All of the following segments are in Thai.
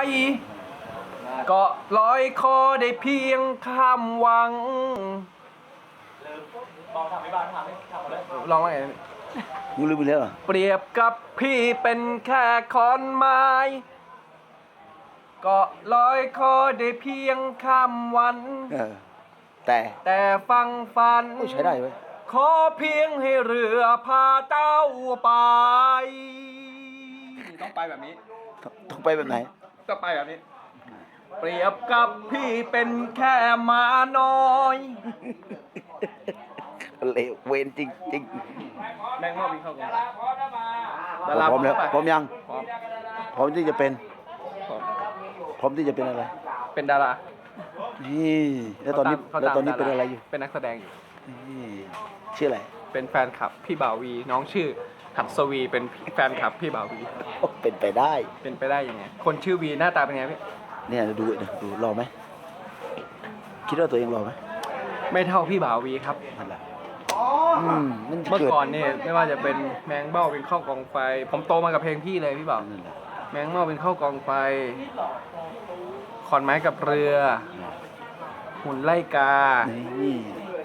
ก็ลอยคอได้เพียงข้ามวังลองว่าไงมึงลืมไปแล้วเหรอเปรียบกับพี่เป็นแค่ขอนไม้ก็ลอยคอได้เพียงข้ามวันแต่ฟังฝันใช้ได้เว้ยขอเพียงให้เรือพาเจ้าไปต้องไปแบบนี้ต้องไปแบบไหนต้องไปแบบนี้ เปรียบกับพี่เป็นแค่หมาน้อยเลวเวนจริงจริงแมงเม่าบินเข้ากรงพร้อมแล้วพร้อมยังพร้อมพร้อมที่จะเป็นพร้อมพร้อมที่จะเป็นอะไรเป็นดารานี่แล้วตอนนี้เขาแล้วตามตอนนี้ดาราเป็นอะไรอยู่เป็นนักแสดงอยู่นี่ชื่ออะไรเป็นแฟนคลับพี่บ่าววี น้องชื่อหัดสวีเป็นแฟนคลับพี่บ่าววีโอ้เป็นไปได้เป็นไปได้ยังไง คนชื่อวีหน้าตาเป็นไงพี่เนี่ยดูรอไหมคิดว่าตัวเองรอไหมไม่เท่าพี่บ่าววีครับนั่นแหละนั่นเมื่อเกิดก่อนเนี่ยไม่ว่าจะเป็นแมงเบ้าเป็นข้าวกองไฟ ผมโตมากับเพลงพี่เลยพี่บ่าวนั่นแหละแมงเม่าเป็นข้าวกองไฟ ขอนไม้กับเรือ หุ่นไล่กานี่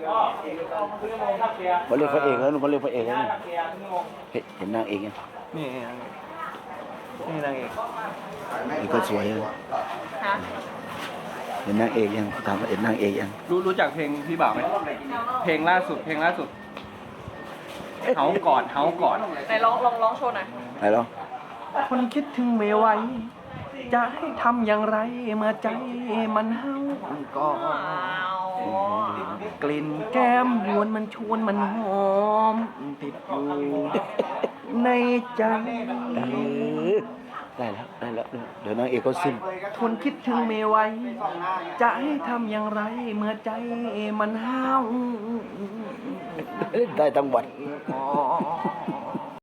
มาเรียกพระเอกแล้วมาเรียกพระเอกแล้วเห็นนางเอกยังนี่นี่นางเอกนี่ก็สวยเลยฮะเห็นนางเอกยังถามว่าเห็นนางเอกยังรู้จักเพลงพี่บ่าวไหมเพลงล่าสุดเฮาก่อนไหนลองโชว์หน่อยไหนลองคนคิดถึงไม่ไหวจะให้ทำอย่างไรเมื่อใจมันเฮาก่อนกลิ่นแก้มยวนมันชวนมันหอมติดอยู่ในใจได้แล้วเดี๋ยวนางเอกก็สิ้นทนคิดถึงไม่ไหวจะให้ทำอย่างไรเมื่อใจมันห้าวได้ทั้งวันอ๋อ